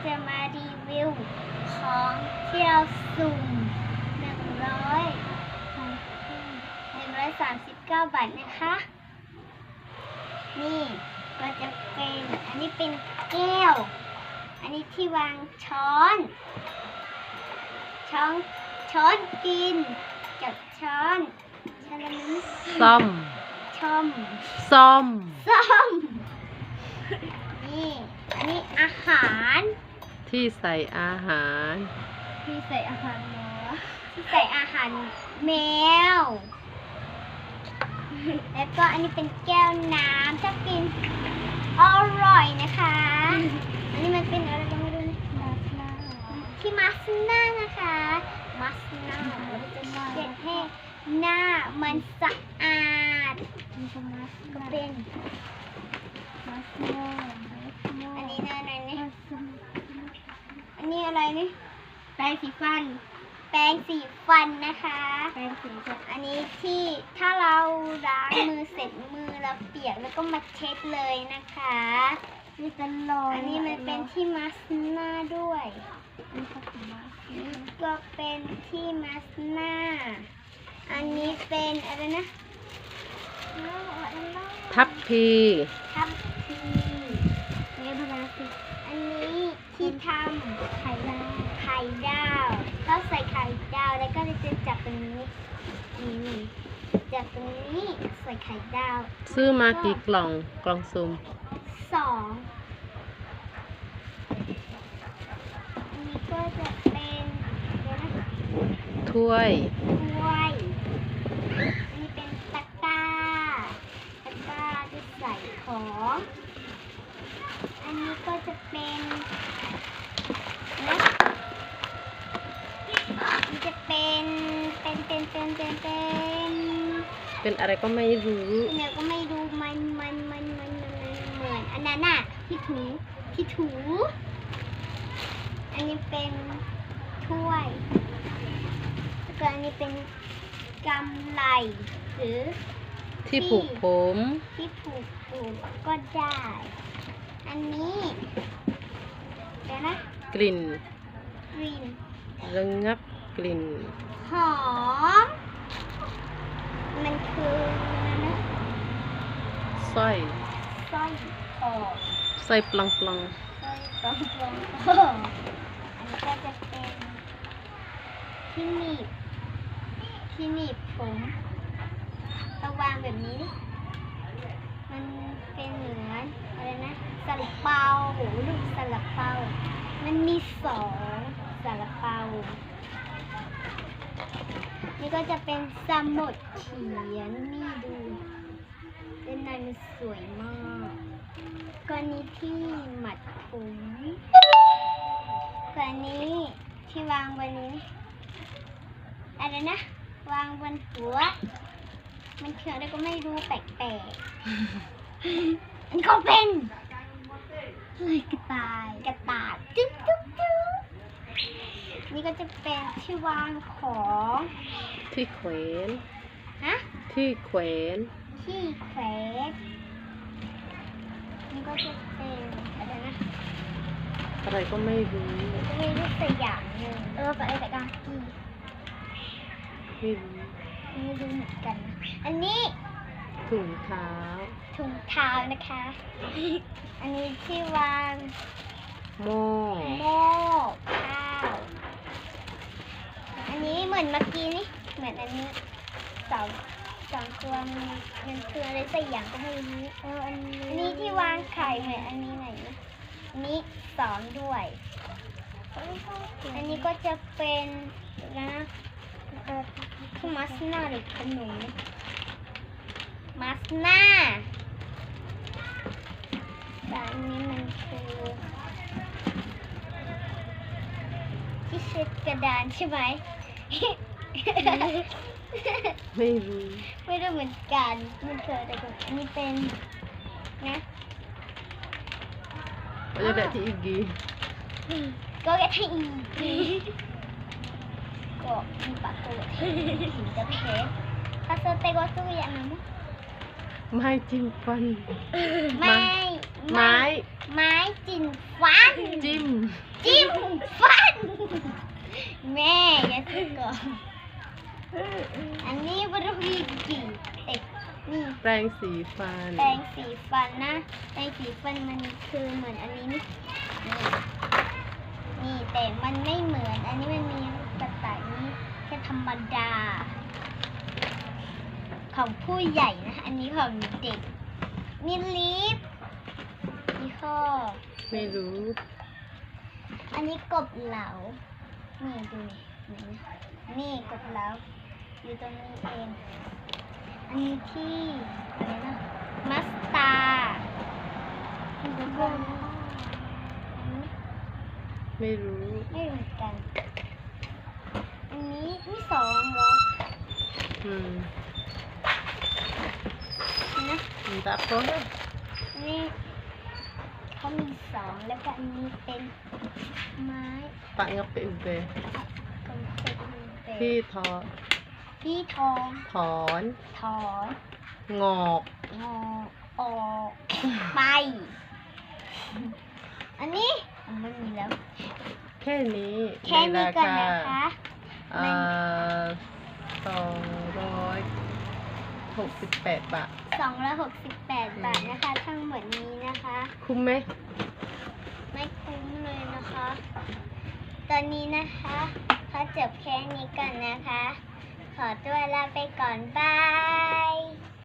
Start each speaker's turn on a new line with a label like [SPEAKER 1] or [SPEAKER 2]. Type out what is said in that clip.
[SPEAKER 1] จะมารีวิวของที่เราสุ่ม139 บาทนะคะ นี่ก็จะเป็นอันนี้เป็นแก้ว อันนี้ที่วางช้อนกินกับช้อน
[SPEAKER 2] ซ่อม
[SPEAKER 1] นี่อันนี้อาหาร
[SPEAKER 2] ที่ใส่อาหาร
[SPEAKER 1] ที่ใส่อาหารหมูที่ใส่อาหารแมว แล้วก็อันนี้เป็นแก้วน้ำถ้ากินอร่อยนะคะ อันนี้มันเป็นอะไรก็ไม่รู้นะที่มาสน่านะคะมาสน่าเราจะเช็ดให้หน้ามันสะอาดก็เป็นอันนี้อะไรนี่อันนี้อะไรนี่แปรงสีฟันนะคะอันนี้ที่ถ้าเราล้างมือเสร็จมือเราเปียกแล้วก็มาเช็ดเลยนะคะนี่เป็นรอยอันนี้มันเป็นที่มาสน่าด้วยนี่ก็เป็นที่มาสน่าอันนี้เป็นอะไรนะ
[SPEAKER 2] ทัพพี
[SPEAKER 1] นี่พลาสติกอันนี้ที่ทำไข่ดาวก็ใส่ไข่ดาวแล้วก็จะจับตรงนี้นี่จับตรงนี้ใส่ไข่ดาว
[SPEAKER 2] ซื้อมากี่กล่องซุ่ม
[SPEAKER 1] 2อันนี้ก็จะเป็น
[SPEAKER 2] ถ้วย
[SPEAKER 1] อันนี้เป็นตะกร้าที่ใส่ของอันนี้ก็จะเป็นมันจะเป็น
[SPEAKER 2] อะไรก็ไม่รู้
[SPEAKER 1] เนี่ยก็ไม่ดูมันเหมือนอันนั้นน่ะที่ถูอันนี้เป็นถ้วยแล้วก็อันนี้เป็นกำไลหรือ
[SPEAKER 2] ที่ผูกผม
[SPEAKER 1] ก็ได้ อันนี้เดี๋ยวนะ
[SPEAKER 2] กลิ่น
[SPEAKER 1] ระ
[SPEAKER 2] งับกลิ่น
[SPEAKER 1] หอมมันคือนะ
[SPEAKER 2] สร้อย
[SPEAKER 1] คอ
[SPEAKER 2] สร้อยปลัง
[SPEAKER 1] อันนี้ก็จะเป็นที่หนีบผมระวางแบบนี้มันเป็นเหมือนอะไรนะซาลาเปาลูกซาลาเปามันมี2ซาลาเปานี่ก็จะเป็นสมุดเขียนนี่ดูด้านในมันสวยมากก็นี้ที่หมัดผมก็นี้ที่วางบนนี้อะไรนะวางบนหัวมันคืออะไรก็ไม่รู้แปลกๆอันก็เป็นกระต่ายจุ๊บนี่ก็จะเป็นที่วางของ
[SPEAKER 2] ที่แขวน
[SPEAKER 1] นี่ก็จะเป็นอะไรนะ
[SPEAKER 2] อะไรก็ไม่รู้
[SPEAKER 1] สักอย่างหนึ่งอะไรแต่กากี
[SPEAKER 2] ไม่รู้
[SPEAKER 1] เหมือนกันอันนี้
[SPEAKER 2] ถุงเท้า
[SPEAKER 1] นะคะ อันนี้ที่วาง
[SPEAKER 2] หม้อ
[SPEAKER 1] ข้าวอันนี้เหมือนเมื่อกี้นี่เหมือนอันนี้สองตัวมันคืออะไรสักอย่างก็ไม่รู้อันนี้ที่วางไข่เหมือนอันนี้ไหนอันนี้2ด้วยอันนี้ก็จะเป็นนะคือมาสน่าหรือขนมมาสน่าแต่อันนี้มันคือที่เช็ดกระดานใช่ไหม
[SPEAKER 2] ไม่รู้
[SPEAKER 1] เหมือนกันมันคืออะไรกันอันนี้เป็นนะ
[SPEAKER 2] ก็จะได้ที่อีกกี
[SPEAKER 1] ก็แค่ที่อีกก็มีปากตัวที่จะเพชรถ้าเธอเตะก็สู้อย่างนั้น
[SPEAKER 2] ไม่จิ้มฟัน
[SPEAKER 1] ไม่
[SPEAKER 2] ไม้
[SPEAKER 1] ไม้จิ้มฟัน
[SPEAKER 2] จิ้ม
[SPEAKER 1] จิ้มฟัน แม่อย่าซื้อก่อนอันนี้บริวีกี่เด็กนี่
[SPEAKER 2] แปรงสีฟัน
[SPEAKER 1] แปรงสีฟันนะแปรงสีฟันมันคือเหมือนอันนี้นี่นี่แต่มันไม่เหมือนอันนี้มันมีกระต่ายนี่แค่ธรรมดา ของผู้ใหญ่นะอันนี้ของเด็กมีลิปมีข้อ
[SPEAKER 2] ไม่รู้
[SPEAKER 1] อันนี้กบเหลานี่ดูนี่นี่กบเหลาอยู่ตรงนี้เอง อันนี้ที่อะไรนะมัสตาร์แล้วก็อันนี้
[SPEAKER 2] ไม่รู้
[SPEAKER 1] ไม่เหมือนกัน อันนี้มีสองเหรอ
[SPEAKER 2] อืม
[SPEAKER 1] นะ
[SPEAKER 2] มันตาโค้ง
[SPEAKER 1] อันนี้เขามีสองแล้วก็อันนี้เป็นไม้
[SPEAKER 2] ปะงับเป็นเป
[SPEAKER 1] กลมเป็น
[SPEAKER 2] ที่ทอ
[SPEAKER 1] ที่ทอง
[SPEAKER 2] ถอน
[SPEAKER 1] ถอน
[SPEAKER 2] งอก
[SPEAKER 1] งอออกไป อันนี้มันมีแล้ว
[SPEAKER 2] แค่นี้
[SPEAKER 1] แค่นี้ก่อน
[SPEAKER 2] ใน
[SPEAKER 1] นะคะ
[SPEAKER 2] 268 บาท
[SPEAKER 1] 268 บาทนะคะ ทั้งหมดนี้นะคะ
[SPEAKER 2] คุ้มไหม
[SPEAKER 1] ไม่คุ้มเลยนะคะ ตอนนี้นะคะขอจบแค่นี้ก่อนนะคะ ขอตัวลาไปก่อนบาย